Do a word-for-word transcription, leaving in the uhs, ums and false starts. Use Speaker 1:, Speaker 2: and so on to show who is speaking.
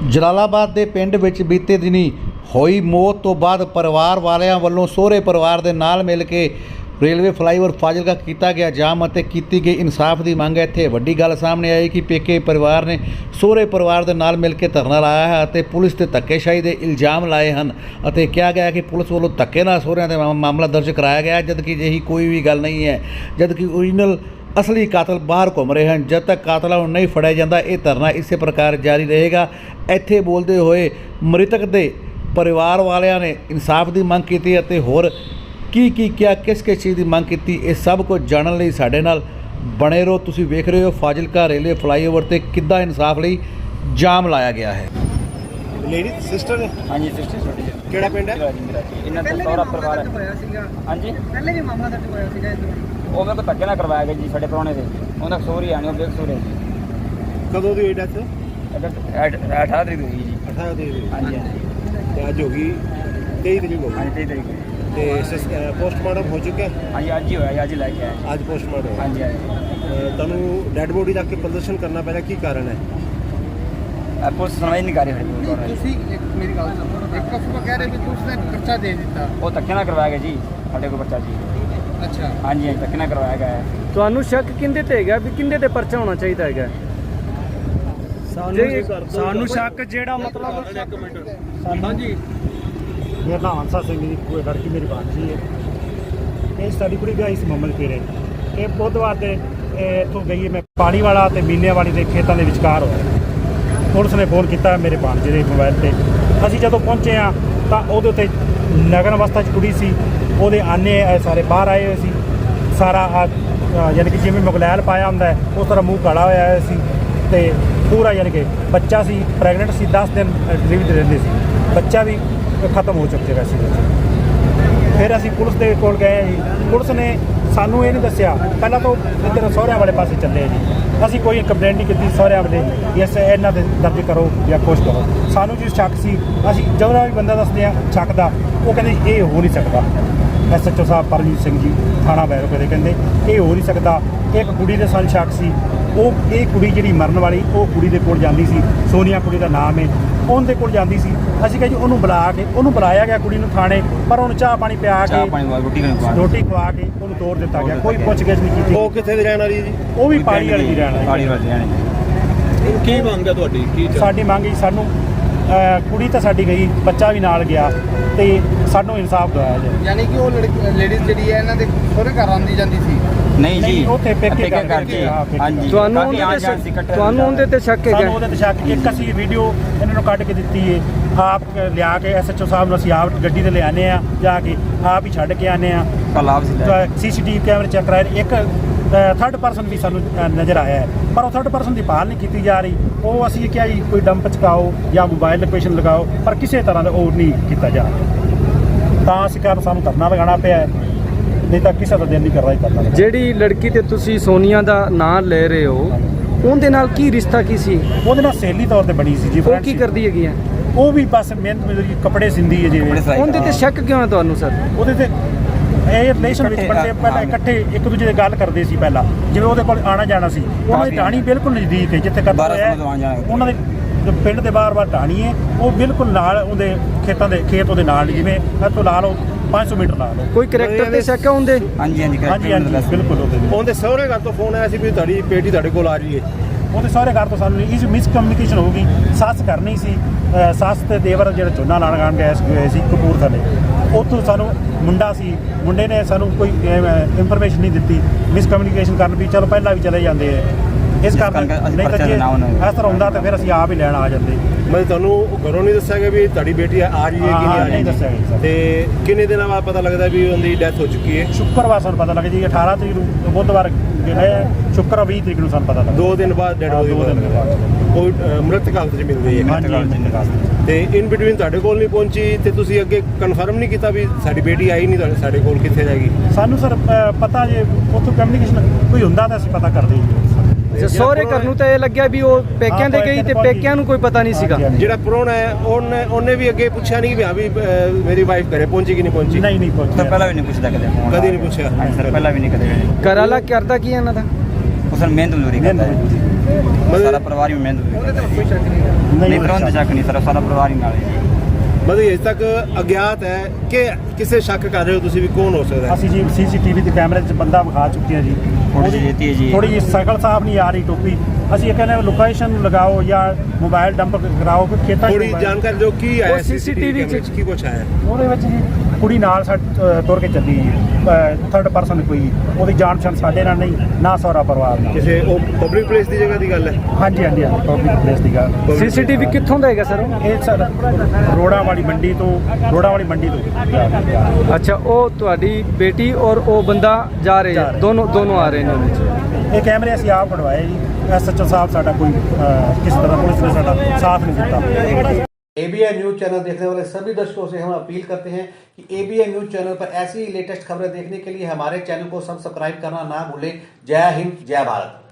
Speaker 1: ਜਲਾਲਾਬਾਦ ਦੇ ਪਿੰਡ ਵਿੱਚ ਬੀਤੇ ਦਿਨੀ ਹੋਈ ਮੌਤ ਤੋਂ ਬਾਅਦ ਪਰਿਵਾਰ ਵਾਲਿਆਂ ਵੱਲੋਂ ਸਹੁਰੇ ਪਰਿਵਾਰ ਦੇ ਨਾਲ ਮਿਲ ਕੇ ਰੇਲਵੇ ਫਲਾਈਓਵਰ ਫਾਜ਼ਿਲਕਾ ਕੀਤਾ ਗਿਆ ਜਾਮ ਅਤੇ ਕੀਤੀ ਗਈ ਇਨਸਾਫ ਦੀ ਮੰਗ ਹੈ। ਇੱਥੇ ਵੱਡੀ ਗੱਲ ਸਾਹਮਣੇ ਆਈ ਕਿ ਪੇਕੇ ਪਰਿਵਾਰ ਨੇ ਸਹੁਰੇ ਪਰਿਵਾਰ ਦੇ ਨਾਲ ਮਿਲ ਕੇ ਧਰਨਾ ਲਾਇਆ ਹੈ ਅਤੇ ਪੁਲਿਸ ਤੇ ਧੱਕੇਸ਼ਾਹੀ ਦੇ ਇਲਜ਼ਾਮ ਲਾਏ ਹਨ ਅਤੇ ਕਿਹਾ ਗਿਆ ਕਿ ਪੁਲਿਸ ਵੱਲੋਂ ਧੱਕੇ ਨਾਲ ਸਹੁਰਿਆਂ ਦੇ ਮਾਮਲਾ ਦਰਜ ਕਰਾਇਆ ਗਿਆ, ਜਦਕਿ ਅਜਿਹੀ ਕੋਈ ਵੀ ਗੱਲ ਨਹੀਂ ਹੈ। ਜਦਕਿ ਓਰੀਜਨਲ ਅਸਲੀ ਕਾਤਲ ਬਾਹਰ ਘੁੰਮ ਰਹੇ ਹਨ। ਜਦ ਤੱਕ ਕਾਤਲਾਂ ਨੂੰ ਨਹੀਂ ਫੜਿਆ ਜਾਂਦਾ ਇਹ ਧਰਨਾ ਇਸੇ ਪ੍ਰਕਾਰ ਜਾਰੀ ਰਹੇਗਾ। ਇੱਥੇ ਬੋਲਦੇ ਹੋਏ ਮ੍ਰਿਤਕ ਦੇ ਪਰਿਵਾਰ ਵਾਲਿਆਂ ਨੇ ਇਨਸਾਫ ਦੀ ਮੰਗ ਕੀਤੀ ਅਤੇ ਹੋਰ ਕੀ ਕੀ ਕਿਹਾ, ਕਿਸ ਕਿਸ ਚੀਜ਼ ਦੀ ਮੰਗ ਕੀਤੀ, ਇਹ ਸਭ ਕੁਝ ਜਾਣਨ ਲਈ ਸਾਡੇ ਨਾਲ ਬਣੇ ਰਹੋ। ਤੁਸੀਂ ਵੇਖ ਰਹੇ ਹੋ ਫਾਜ਼ਿਲਕਾ ਰੇਲਵੇ ਫਲਾਈਓਵਰ ਤੇ ਕਿੱਦਾਂ ਇਨਸਾਫ ਲਈ ਜਾਮ ਲਾਇਆ ਗਿਆ ਹੈ।
Speaker 2: ਲੇਡੀ ਸਿਸਟਰ ਨੇ?
Speaker 3: ਹਾਂਜੀ ਸਿਸਟਰ ਛੋਟੀ ਹੈ।
Speaker 2: ਕਿਹੜਾ ਪਿੰਡ ਹੈ?
Speaker 3: ਇਹਨਾਂ ਦਾ ਸਹੁਰਾ ਪਰਿਵਾਰ ਹੈ। ਹਾਂਜੀ
Speaker 4: ਪਹਿਲੇ ਵੀ ਮਾਮਲਾ ਦਰਜ ਹੋਇਆ ਸੀਗਾ ਇਸ ਵਾਰ।
Speaker 3: ਉਹ ਮੇਰੇ ਕੋਲ ਧੱਕੇ ਨਾਲ ਕਰਵਾਇਆ ਗਿਆ ਜੀ ਸਾਡੇ ਪ੍ਰਾਹੁਣੇ ਦੇ। ਉਹਨਾਂ ਸੋਰੀ ਆਣੀ ਉਹ ਬੇਕਸੂਰ ਹੈ ਜੀ।
Speaker 2: ਕਦੋਂ ਦੀ ਹੋਈ ਡੈਥ?
Speaker 3: ਅਠਾਰਾਂ ਤਰੀਕ ਦੀ ਹੋਈ ਜੀ।
Speaker 2: ਅਠਾਰਾਂ ਦੀ ਹੋਈ।
Speaker 3: ਹਾਂਜੀ ਹਾਂਜੀ
Speaker 2: ਤੇ ਅੱਜ ਹੋ ਗਈ ਤੇਈ ਤਰੀਕ ਹੋ
Speaker 3: ਹਾਂਜੀ
Speaker 2: ਗਈ।
Speaker 3: ਤੇਈ ਤਰੀਕ
Speaker 2: ਤੇ ਪੋਸਟਮਾਰਟਮ ਹੋ ਚੁੱਕਿਆ?
Speaker 3: ਹਾਂਜੀ ਅੱਜ ਹੀ ਹੋਇਆ, ਅੱਜ ਹੀ ਲੈ ਕੇ ਆਏ।
Speaker 2: ਅੱਜ ਪੋਸਟਮਾਰਟਮ ਹੋਇਆ।
Speaker 3: ਹਾਂਜੀ ਹਾਂਜੀ
Speaker 2: ਤੁਹਾਨੂੰ ਡੈਡ ਬੋਡੀ ਰੱਖ ਕੇ ਪ੍ਰਦਰਸ਼ਨ ਕਰਨਾ ਪੈਣਾ, ਕੀ ਕਾਰਨ ਹੈ?
Speaker 3: ਪੁਲਿਸ ਸੁਣਵਾਈ ਨਹੀਂ ਕਰ ਰਹੀ ਸਾਡੀ।
Speaker 4: ਤੁਸੀਂ ਇੱਕ ਮੇਰੀ ਗੱਲ ਸੁਣੋ, ਇੱਕ ਅਫਵਾਹ ਕਹਿ ਰਹੇ ਵੀ ਤੁਸੀਂ ਨੇ ਪਰਚਾ ਦੇ ਦਿੱਤਾ।
Speaker 3: ਉਹ ਧੱਕੇ ਨਾਲ ਕਰਵਾਇਆ ਗਿਆ ਜੀ ਸਾਡੇ ਕੋਲ ਬੱਚਾ ਜੀ।
Speaker 4: ਅੱਛਾ
Speaker 3: ਹਾਂਜੀ ਹਾਂਜੀ ਧੱਕੇ ਨਾਲ ਕਰਵਾਇਆ ਗਿਆ ਹੈ।
Speaker 5: ਤੁਹਾਨੂੰ ਸ਼ੱਕ ਕਿੰਦੇ ਤੇ ਹੈਗਾ ਵੀ ਕਿੰਦੇ ਤੇ ਪਰਚਾ ਹੋਣਾ ਚਾਹੀਦਾ ਹੈਗਾ? ਸਾਨੂੰ ਸ਼ੱਕ ਜਿਹੜਾ ਮਤਲਬ
Speaker 2: ਹਾਂਜੀ, ਮੇਰਾ ਨਾਮ ਹੰਸਾ ਸਿੰਘ ਜੀ, ਕੋਈ ਲੜਕੀ ਮੇਰੀ ਬਾਂਝੀ ਹੈ। ਇਹ ਸਾਡੀ ਕੁੜੀ ਗਈ ਸੀ ਮੰਮਲ ਫੇਰੇ। ਇਹ ਬੁੱਧਵਾਰ ਦੇ ਇੱਥੋਂ ਗਈ, ਮੈਂ ਪਾਣੀ ਵਾਲਾ ਤੇ ਮੀਨਿਆਂ ਵਾਲੀ ਦੇ ਖੇਤਾਂ ਦੇ ਵਿਚਕਾਰ ਹੋਇਆ। ਪੁਲਿਸ ਨੇ ਫੋਨ ਕੀਤਾ ਮੇਰੇ ਭਾਂਜੇ ਦੇ ਮੋਬਾਈਲ ਤੇ। ਅਸੀਂ ਜਦੋਂ ਪਹੁੰਚੇ ਹਾਂ ਤਾਂ ਉਹਦੇ ਉੱਤੇ ਨਗਨ ਅਵਸਥਾ 'ਚ ਕੁੜੀ ਸੀ, ਉਹਦੇ ਆਨੇ ਸਾਰੇ ਬਾਹਰ ਆਏ ਹੋਏ ਸੀ। ਸਾਰਾ ਯਾਨੀ ਕਿ ਜਿਵੇਂ ਮੁਗਲੈਲ ਪਾਇਆ ਹੁੰਦਾ ਹੈ ਉਸ ਤਰ੍ਹਾਂ ਮੂੰਹ ਕਾਲਾ ਹੋਇਆ ਹੋਇਆ ਸੀ ਅਤੇ ਪੂਰਾ ਯਾਨੀ ਕਿ ਬੱਚਾ ਸੀ, ਪ੍ਰੈਗਨੈਂਟ ਸੀ, ਦਸ ਦਿਨ ਡਿਲੀਵਰੀ ਦੇ ਰਹਿੰਦੇ ਸੀ। ਬੱਚਾ ਵੀ ਖਤਮ ਹੋ ਚੁੱਕਿਆ ਸੀ। ਫਿਰ ਅਸੀਂ ਪੁਲਿਸ ਦੇ ਕੋਲ ਗਏ ਜੀ। ਪੁਲਿਸ ਨੇ ਸਾਨੂੰ ਇਹ ਨਹੀਂ ਦੱਸਿਆ, ਪਹਿਲਾਂ ਤਾਂ ਇੱਧਰ ਸਹੁਰਿਆਂ ਵਾਲੇ ਪਾਸੇ ਚੱਲੇ ਜੀ। ਅਸੀਂ ਕੋਈ ਕੰਪਲੇਂਟ ਨਹੀਂ ਕੀਤੀ ਸਹੁਰਿਆਂ ਵਾਲੇ ਇਸ ਇਹਨਾਂ ਦੇ ਦਰਜ ਕਰੋ ਜਾਂ ਕੁਛ ਕਰੋ। ਸਾਨੂੰ ਜੀ ਸ਼ੱਕ ਸੀ। ਅਸੀਂ ਜਦੋਂ ਵੀ ਬੰਦਾ ਦੱਸਦੇ ਹਾਂ ਸ਼ੱਕ ਦਾ, ਉਹ ਕਹਿੰਦੇ ਇਹ ਹੋ ਨਹੀਂ ਸਕਦਾ। ਐਸ ਐਚ ਓ ਸਾਹਿਬ ਪਰਮਜੀਤ ਸਿੰਘ ਜੀ ਥਾਣਾ ਬੈਰੋਪੇ ਦੇ ਕਹਿੰਦੇ ਇਹ ਹੋ ਨਹੀਂ ਸਕਦਾ। ਇੱਕ ਕੁੜੀ ਦੇ ਸਾਨੂੰ ਸ਼ੱਕ ਸੀ। ਉਹ ਇਹ ਕੁੜੀ ਜਿਹੜੀ ਮਰਨ ਵਾਲੀ, ਉਹ ਕੁੜੀ ਦੇ ਕੋਲ ਜਾਂਦੀ ਸੀ, ਸੋਨੀਆ ਕੁੜੀ ਦਾ ਨਾਮ ਹੈ, ਉਹਦੇ ਕੋਲ ਜਾਂਦੀ ਸੀ। ਅਸੀਂ ਕਿਹਾ ਜੀ ਉਹਨੂੰ ਬੁਲਾ ਕੇ, ਉਹਨੂੰ ਬੁਲਾਇਆ ਗਿਆ ਕੁੜੀ ਨੂੰ ਥਾਣੇ, ਪਰ ਉਹਨੂੰ ਚਾਹ ਪਾਣੀ ਪਿਆ ਕੇ ਰੋਟੀ ਖਵਾ ਕੇ ਉਹਨੂੰ ਤੋੜ ਦਿੱਤਾ ਗਿਆ। ਕੋਈ ਪੁੱਛ ਗਿੱਛ ਨਹੀਂ ਕੀਤੀ। ਉਹ ਕਿੱਥੇ ਦੀ ਰਹਿਣ ਵਾਲੀ ਜੀ?
Speaker 5: ਉਹ ਵੀ ਪਾਣੀ ਵਾਲੀ ਦੀ ਰਹਿਣ
Speaker 3: ਪਾਣੀ ਵਾਲੀ ਰਹਿਣ।
Speaker 2: ਕੀ ਮੰਗ ਹੈ ਤੁਹਾਡੀ? ਕੀ
Speaker 5: ਸਾਡੀ ਮੰਗ ਜੀ, ਸਾਨੂੰ ਕੁੜੀ ਤਾਂ ਸਾਡੀ ਗਈ, ਬੱਚਾ ਵੀ ਨਾਲ ਗਿਆ ਤੇ ਸਾਨੂੰ ਇਨਸਾਫ ਦਿਵਾਇਆ ਜਾਏ।
Speaker 4: ਯਾਨੀ ਕਿ ਉਹ ਲੇਡੀਜ਼ ਜਿਹੜੀ ਹੈ ਇਹਨਾਂ ਦੇ ਸਹੁਰੇ ਘਰ ਆਉਂਦੀ ਜਾਂਦੀ ਸੀ?
Speaker 3: ਨਹੀਂ ਜੀ,
Speaker 5: ਉੱਥੇ ਪੇਕੇ
Speaker 3: ਕਰ
Speaker 5: ਕਰ
Speaker 3: ਜੀ। ਹਾਂਜੀ
Speaker 5: ਤੁਹਾਨੂੰ ਉਹਦੇ ਤੇ ਤੁਹਾਨੂੰ ਉਹਦੇ ਤੇ ਸ਼ੱਕ ਹੈਗਾ? ਸਾਨੂੰ ਉਹਦੇ ਤੇ ਸ਼ੱਕ। ਇੱਕ ਅਸੀਂ ਵੀਡੀਓ ਇਹਨਾਂ ਨੂੰ ਕੱਢ ਕੇ ਦਿੱਤੀ ਹੈ, ਆਪ ਲਿਆ ਕੇ ਐਸ ਐਚ ਓ ਸਾਹਿਬ ਨੂੰ ਅਸੀਂ ਆਪ ਗੱਡੀ ਤੇ ਲਿਆਉਂਦੇ ਹਾਂ, ਜਾ ਕੇ ਆਪ ਹੀ ਛੱਡ ਕੇ ਆਉਂਦੇ ਹਾਂ। ਸੀ ਸੀ ਟੀ ਵੀ ਕੈਮਰੇ ਚੈੱਕ ਕਰਾਏ। ਇੱਕ ਥਰਡ ਪਰਸਨ ਵੀ ਸਾਨੂੰ ਨਜ਼ਰ ਆਇਆ ਹੈ, ਪਰ ਉਹ ਥਰਡ ਪਰਸਨ ਦੀ ਭਾਲ ਨਹੀਂ ਕੀਤੀ ਜਾ ਰਹੀ। ਉਹ ਅਸੀਂ ਕਿਹਾ ਜੀ ਕੋਈ ਡੰਪ ਚਕਾਓ ਜਾਂ ਮੋਬਾਈਲ ਲੋਕੇਸ਼ਨ ਲਗਾਓ, ਪਰ ਕਿਸੇ ਤਰ੍ਹਾਂ ਦਾ ਉਹ ਨਹੀਂ ਕੀਤਾ ਜਾ ਰਿਹਾ। ਤਾਂ ਅਸੀਂ ਕਾਰਨ ਸਾਨੂੰ ਧਰਨਾ ਲਗਾਉਣਾ ਪਿਆ ਹੈ, ਨਹੀਂ ਤਾਂ ਕਿਸੇ ਦਾ ਦਿਲ ਨਹੀਂ ਕਰ ਰਿਹਾ ਧਰਨਾ ਲਗਾਉਣ। ਜਿਹੜੀ ਲੜਕੀ ਤੇ ਤੁਸੀਂ ਸੋਨੀਆ ਦਾ ਨਾਂ ਲੈ ਰਹੇ ਹੋ, ਉਹਦੇ ਨਾਲ ਕੀ ਰਿਸ਼ਤਾ ਕੀ ਸੀ? ਉਹਦੇ ਨਾਲ ਸਹੇਲੀ ਤੌਰ ਤੇ ਬਣੀ ਸੀ ਜੀ।
Speaker 4: ਉਹ ਕੀ ਕਰਦੀ ਹੈਗੀ ਹੈ?
Speaker 5: ਉਹ ਵੀ ਬਸ ਮਿਹਨਤ ਮਜ਼ਦੂਰੀ, ਕੱਪੜੇ ਸਿੰਦੀ ਹੈ ਜਿਵੇਂ।
Speaker 4: ਉਹਦੇ ਤੇ ਸ਼ੱਕ ਕਿਉਂ ਹੈ ਤੁਹਾਨੂੰ ਸਰ?
Speaker 5: ਉਹਦੇ ਤੇ ਇਹ ਰਿਲੇਸ਼ਨ ਵਿੱਚ ਬੰਦੇ ਪਹਿਲਾਂ ਇਕੱਠੇ ਇੱਕ ਦੂਜੇ ਦੀ ਗੱਲ ਕਰਦੇ ਸੀ ਪਹਿਲਾਂ, ਜਿਵੇਂ ਉਹਦੇ ਕੋਲ ਆਣਾ ਜਾਣਾ ਸੀ। ਉਹਨਾਂ ਦੀ ਢਾਣੀ ਬਿਲਕੁਲ ਨਜ਼ਦੀਕ ਹੈ ਜਿੱਥੇ ਕਰਦਾ ਹੋਇਆ ਉਹਨਾਂ ਦੇ ਪਿੰਡ ਦੇ ਬਾਰ-ਬਾਰ ਢਾਣੀ ਹੈ, ਉਹ ਬਿਲਕੁਲ ਨਾਲ ਉਹਦੇ ਖੇਤਾਂ ਦੇ ਖੇਤ ਉਹਦੇ ਨਾਲ, ਜਿਵੇਂ ਇੱਥੋਂ ਲਾ ਲਓ ਪੰਜ ਸੌ ਮੀਟਰ ਲਾ ਲਓ।
Speaker 4: ਕੋਈ ਕਰੈਕਟਰ ਤੇ ਸ਼ੱਕ ਹੈ ਉਹਦੇ?
Speaker 3: ਹਾਂਜੀ ਹਾਂਜੀ
Speaker 5: ਹਾਂਜੀ ਹਾਂਜੀ ਬਿਲਕੁਲ। ਉਹਦੇ
Speaker 2: ਉਹਦੇ ਸਹੁਰੇ ਘਰ ਤੋਂ ਫੋਨ ਆਇਆ ਸੀ ਵੀ ਤੁਹਾਡੀ ਬੇਟੀ ਤੁਹਾਡੇ ਕੋਲ ਆ ਰਹੀ ਹੈ।
Speaker 5: ਉਹਦੇ ਸਾਰੇ ਘਰ ਤੋਂ ਸਾਨੂੰ ਇਸ ਮਿਸਕਮਿਊਨੀਕੇਸ਼ਨ ਹੋ ਗਈ। ਸੱਸ ਕਰਨੀ ਸੀ, ਸੱਸ ਤੇ ਦੇਵਰ ਜਿਹੜਾ ਝੋਨਾ ਲਾਣ ਗਾਣ ਗਏ ਹੋਏ ਸੀ ਕਪੂਰਥਲੇ, ਉੱਥੋਂ ਸਾਨੂੰ ਮੁੰਡਾ ਸੀ, ਮੁੰਡੇ ਨੇ ਸਾਨੂੰ ਕੋਈ ਇਨਫੋਰਮੇਸ਼ਨ ਨਹੀਂ ਦਿੱਤੀ। ਮਿਸਕਮਿਊਨੀਕੇਸ਼ਨ ਕਰਨ ਵੀ ਚਲੋ ਪਹਿਲਾਂ ਵੀ ਚਲੇ ਜਾਂਦੇ ਹੈ, ਇਸ ਕਾਰਨ ਨਹੀਂ ਤਾਂ ਜੇ ਇਸ ਤਰ੍ਹਾਂ ਹੁੰਦਾ ਤਾਂ ਫਿਰ ਅਸੀਂ ਆਪ ਹੀ ਲੈਣ ਆ ਜਾਂਦੇ।
Speaker 2: ਮਤਲਬ ਤੁਹਾਨੂੰ ਘਰੋਂ ਨਹੀਂ ਦੱਸਿਆ ਗਿਆ ਵੀ ਤੁਹਾਡੀ ਬੇਟੀ ਆ ਰਹੀ ਹੈ ਕਿ ਨਹੀਂ ਆ ਰਹੀ?
Speaker 5: ਨਹੀਂ ਦੱਸਿਆ ਗਿਆ।
Speaker 2: ਤੇ ਕਿੰਨੇ ਦਿਨਾਂ ਬਾਅਦ ਪਤਾ ਲੱਗਦਾ ਵੀ ਉਹਦੀ ਡੈਥ ਹੋ ਚੁੱਕੀ ਹੈ?
Speaker 5: ਸ਼ੁੱਕਰਵਾਰ ਸਾਨੂੰ ਪਤਾ ਲੱਗਾ ਜੀ, ਅਠਾਰਾਂ ਤਰੀਕ ਨੂੰ ਬੁੱਧਵਾਰ ਗਏ, ਸ਼ੁੱਕਰਵਾਰ ਵੀਹ ਤਰੀਕ ਨੂੰ ਸਾਨੂੰ ਪਤਾ ਲੱਗਾ।
Speaker 2: ਦੋ ਦਿਨ ਬਾਅਦ ਡੈਡ ਬੋਡੀ ਉਹ ਮ੍ਰਿਤਕ ਹਾਲਤ 'ਚ ਮਿਲ ਗਈ ਹੈ। ਤੇ ਇਨ ਬਿਟਵੀਨ ਤੁਹਾਡੇ ਕੋਲ ਨਹੀਂ ਪਹੁੰਚੀ ਤੇ ਤੁਸੀਂ ਅੱਗੇ ਕਨਫਰਮ ਨਹੀਂ ਕੀਤਾ ਵੀ ਸਾਡੀ ਬੇਟੀ ਆਈ ਨਹੀਂ, ਤੁਹਾਡੇ ਸਾਡੇ ਕੋਲ ਕਿੱਥੇ ਜਾਏਗੀ?
Speaker 5: ਸਾਨੂੰ ਸਰ ਪਤਾ ਜੇ ਉੱਥੋਂ ਕਮਿਊਨੀਕੇਸ਼ਨ ਕੋਈ ਹੁੰਦਾ ਤਾਂ ਅਸੀਂ ਪਤਾ ਕਰਦੇ ਜੀ।
Speaker 4: ਸਹੁਰੇ ਘਰ ਨੂੰ ਤਾਂ ਇਹ ਲੱਗਿਆ ਵੀ ਉਹ ਪੇਕਿਆਂ ਦੇ ਗਈ ਤੇ ਪੇਕਿਆਂ ਨੂੰ ਕੋਈ ਪਤਾ ਨਹੀਂ ਸੀਗਾ।
Speaker 2: ਜਿਹੜਾ ਪ੍ਰਾਹੁਣਾ ਹੈ ਉਹਨੇ ਉਹਨੇ ਵੀ ਅੱਗੇ ਪੁੱਛਿਆ ਨਹੀਂ ਵੀ ਹਾਂ ਵੀ ਮੇਰੀ ਵਾਈਫ ਘਰੇ ਪਹੁੰਚੀ ਕਿ ਨਹੀਂ ਪਹੁੰਚੀ?
Speaker 5: ਨਹੀਂ ਨਹੀਂ ਪਹੁੰਚੀ।
Speaker 3: ਪਹਿਲਾਂ ਵੀ ਨਹੀਂ ਪੁੱਛਦਾ ਕਦੇ,
Speaker 2: ਕਦੇ ਨਹੀਂ ਪੁੱਛਿਆ
Speaker 3: ਸਰ, ਪਹਿਲਾਂ ਵੀ ਨਹੀਂ ਕਦੇ।
Speaker 4: ਘਰ ਵਾਲਾ ਕਰਦਾ ਕੀ ਇਹਨਾਂ ਦਾ?
Speaker 3: ਉਹ ਸਰ ਮਿਹਨਤ ਮਜ਼ਦੂਰੀ ਕਰਦਾ ਹੈ। ਸਾਰਾ ਪਰਿਵਾਰ ਹੀ ਮਿਹਨਤ ਨਹੀਂ ਪਰ ਉਹਦੇ ਸ਼ੱਕ ਨਹੀਂ ਸਰ ਸਾਰਾ ਪਰਿਵਾਰ ਹੀ ਨਾਲ ਹੈ
Speaker 6: ਮਤਲਬ ਅਜੇ ਤੱਕ ਅਗਿਆਤ ਹੈ ਕਿ ਕਿਸੇ ਸ਼ੱਕ ਕਰ ਰਹੇ ਹੋ ਤੁਸੀਂ ਵੀ ਕੌਣ ਹੋ ਸਕਦਾ ਹੈ?
Speaker 5: ਅਸੀਂ ਜੀ ਸੀਸੀਟੀਵੀ ਦੇ ਕੈਮਰੇ 'ਚ ਬੰਦਾ ਵਿਖਾ ਚੁੱਕੇ ਹਾਂ ਜੀ
Speaker 3: ਥੋੜੀ ਜਿਹੀ ਤੇਜ਼ ਜੀ
Speaker 5: ਥੋੜੀ ਜਿਹੀ ਸਾਈਕਲ ਸਾਹਿਬ ਨਹੀਂ ਆ ਰਹੀ ਟੋਪੀ ਅਸੀਂ ਇਹ ਕਹਿੰਦੇ ਲੋਕੇਸ਼ਨ ਨੂੰ ਲਗਾਓ ਜਾਂ ਮੋਬਾਈਲ ਡੰਪ ਕਰਾਓ ਕਿ ਖੇਤਾਂ 'ਚ
Speaker 6: ਥੋੜੀ
Speaker 5: mobile-
Speaker 6: ਜਾਣਕਾਰੀ ਦਿਓ ਕੀ ਆਇਆ
Speaker 4: ਉਹ C C T V
Speaker 6: ਕੈਮਰੇ 'ਚ ਕੀ ਕੁਛ ਆਇਆ?
Speaker 5: ਉਹਦੇ ਵਿੱਚ ਜੀ ਕੁੜੀ ਨਾਲ ਸਾ ਅ, ਤੁਰ ਕੇ ਚੱਲੀ ਜੀ ਥਰਡ ਪਰਸਨ ਕੋਈ ਉਹਦੀ ਜਾਣ ਪਛਾਣ ਸਾਡੇ ਨਾਲ ਨਹੀਂ ਨਾ ਸਹੁਰਾ ਪਰਿਵਾਰ ਨਾਲ
Speaker 6: ਕਿਸੇ ਉਹ ਪਬਲਿਕ ਪਲੇਸ ਦੀ ਜਗ੍ਹਾ ਦੀ ਗੱਲ ਹੈ?
Speaker 5: ਹਾਂਜੀ ਹਾਂਜੀ ਹਾਂਜੀ ਪਬਲਿਕ ਪਲੇਸ ਦੀ ਗੱਲ
Speaker 4: ਸੀਸੀਟੀਵੀ ਕਿੱਥੋਂ ਦਾ ਹੈਗਾ ਸਰ ਉਹ?
Speaker 5: ਇਹ ਸਰ ਰੋੜਾ ਵਾਲੀ ਮੰਡੀ ਤੋਂ ਰੋੜਾ ਵਾਲੀ ਮੰਡੀ ਤੋਂ
Speaker 4: ਅੱਛਾ ਉਹ ਤੁਹਾਡੀ ਬੇਟੀ ਔਰ ਉਹ ਬੰਦਾ ਜਾ ਰਹੇ
Speaker 5: ਜਾ
Speaker 4: ਹੈ
Speaker 5: ਰਹੇ।
Speaker 4: ਦੋਨੋਂ ਦੋਨੋਂ ਆ ਰਹੇ ਨੇ ਉਹਦੇ 'ਚ
Speaker 5: ਇਹ ਕੈਮਰੇ ਅਸੀਂ ਆਪ ਕਢਵਾਏ ਜੀ ਐਸ ਐਚ ਓ ਸਾਹਿਬ ਸਾਡਾ ਕੋਈ ਅ, ਕਿਸੇ ਤਰ੍ਹਾਂ ਪੁਲਿਸ ਨੇ ਸਾਡਾ ਸਾਥ नहीं देता।
Speaker 1: एबीएन न्यूज चैनल देखने वाले सभी दर्शकों से हम अपील करते हैं कि एबीएन न्यूज चैनल पर ऐसी ही लेटेस्ट खबरें देखने के लिए हमारे चैनल को सब्सक्राइब करना ना भूलें। जय हिंद, जय भारत।